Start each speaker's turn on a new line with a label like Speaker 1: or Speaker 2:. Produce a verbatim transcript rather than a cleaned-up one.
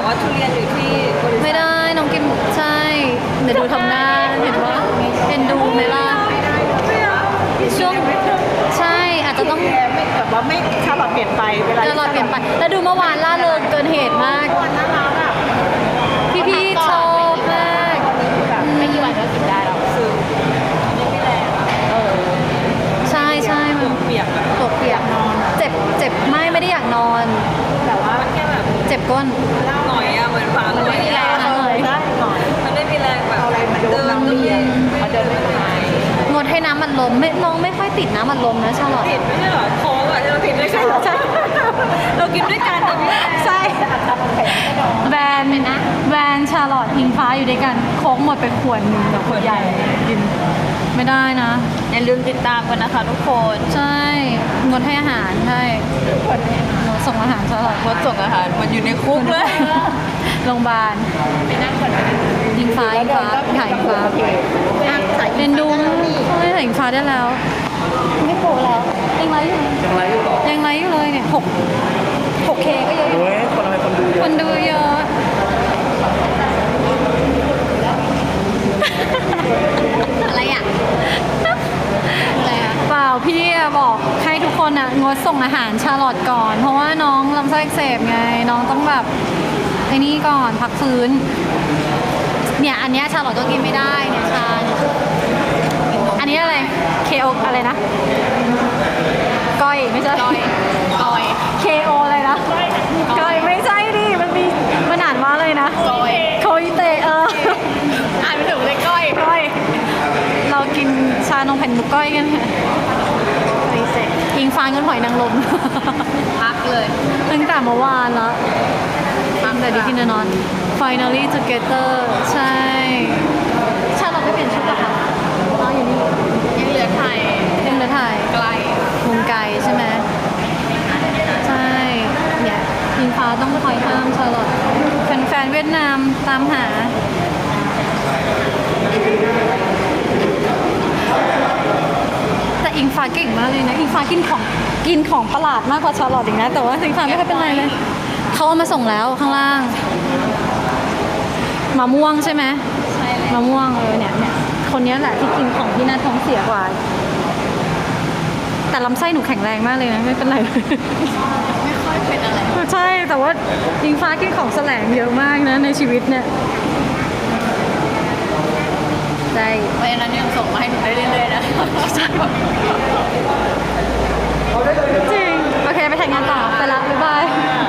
Speaker 1: ว่าทุเรียนอยู่ที่บริษัท
Speaker 2: ไม่ได้น้องกินใช่เดี๋ยวดูทำหน้าเห็นว่าเอ็นดูไหมล่ะช่วงใช่อาจจะต้อง
Speaker 1: ไม่แบบว่าไม่ชาลอตเปลี่ยนไปเวลา
Speaker 2: จะรอเปลี่ยนไปแล้วดูเมื่อวานล่าเริงเกินเหตุมาก
Speaker 1: วันน่ารักอ่ะ
Speaker 2: พี่พี่ๆชอบมาก
Speaker 1: แบบไม่กี่วันก็กินได้แล้วคือยังไม่แรงเออ
Speaker 2: ใช่ใช่มัน
Speaker 1: เปียกแบบ
Speaker 2: ตัวเปียกนอนเจ็บเจ็บไม่ไม่ได้อยากนอน
Speaker 1: แต่ว่ามันแค่แบบ
Speaker 2: เจ็บก้น
Speaker 1: หน่อยอะเหมือนฟังหน่อยอะ
Speaker 2: หน่อย
Speaker 1: ได้หน่อยมันไม่มีแรงแบบอะไรมาเดินน้ำเรียนมาเดินไม่ได้
Speaker 2: งดให้น้ำมันลมไม่น้องไม่ค่อยติดน้ำมันลมนะชาลอต
Speaker 1: ผิดไม่ใช่เหรอโค้กอะที่เราผิดไม่ใช่เหรอใช่เรากินด้วยกันนะพี่
Speaker 2: ใช่แบรนด์นะแบรนด์ชาลอตอิงฟ้าอยู่ด้วยกันโค้กหมดไปขวดหนึ่งกับขวดใหญ่กินไม่ได้นะ
Speaker 1: อย่าลืมติดตามกันนะคะทุกคน
Speaker 2: ใช่งดให้อาหารใช่งดส่งอาหารชาลอต
Speaker 1: งดส่งอาหารมันอยู่ในคุกเลย
Speaker 2: โรงพยาบาลยิงฟ้ายิงฟ้าถ่ายยิงฟ้าเรียนดูไม่ถ่ายยิงฟ้าได้แล้วไม่โผล่แล้วยังไลฟ์อยู่
Speaker 3: ยังไงอยู่หรอ
Speaker 2: ยังไลฟ์อยู่เลยเนี่ยหกหกเคก็เยอะอยู่
Speaker 3: โอ้ยคนทำไมคนดูเย
Speaker 2: ค
Speaker 3: อะ
Speaker 2: นดูเยอะ อะไรอ่ะอะไรอ่ะเปล่าพี่อะบอกให้ทุกคนอ่ะงดส่งอาหารชาลอตก่อน เพราะว่าน้องลำไส้อักเสบไงน้องต้องแบบไอ้นี่ก่อนพักฟื้นเนี่ยอันเนี้ยชาลอตก็กินไม่ได้เนี่ยชาเนี่ยอันนี้อะไรเคโออะไรนะก้อยไม่ใช่ก้อยก้อยเคโออะไรนะก้อยไม่ใช่ดิมันมีมันอ่านว่าอะไรนะก้อยโคอิเตะเอออ่านไม่ถูกเลยก้อยก้อยเรากินชานมแผ่นหมูก้อยกันค่ะอิงฟางกันหอยนางรม
Speaker 1: พักเลย
Speaker 2: ตั้งแต่เมื่อวานแล้วตั้งแต่ดีที่นอน finally together ใช่ชาเราไปเปลี่ยนชุดเหรอคะน้องอยู่นี่
Speaker 1: ยังเหลือไทย
Speaker 2: ยังเหลือถ่าย
Speaker 1: ไกล
Speaker 2: มุมไกลใช่ไหมใช่เนี่ยอิงฟ้าต้องคอยห้ามชาลอตแฟนๆเวียดนามตามหา แต่อิงฟ้าเก่งมากเลยนะอิงฟ้ากินของกินของประหลาดมากกว่าชาลอตอีกนะแต่ว่าอิงฟ้าไม่ค่อยเป็นไรเลยเขาเอามาส่งแล้วข้างล่างมะม่วงใช่ไหม
Speaker 1: ใช่
Speaker 2: มะม่วงเออเนี่ยเนี่ยคนนี้แหละที่กินของที่น่าท้องเสียกว่า แต่ลำไส้หนูแข็งแรงมากเลยนะไม่เป็นไรเลย
Speaker 1: ไม่ค่อยเป็นอะไร
Speaker 2: ใช่แต่ว่าอิงฟ้ากินของแสลงเยอะมากนะในชีวิตเนี่ยใช่
Speaker 1: เพราะฉะนั้นยังส่งมาให้หนูได้เรื่อยๆนะ
Speaker 2: จริงโอเคไปถ่ายงานต่อไปละบ๊ายบาย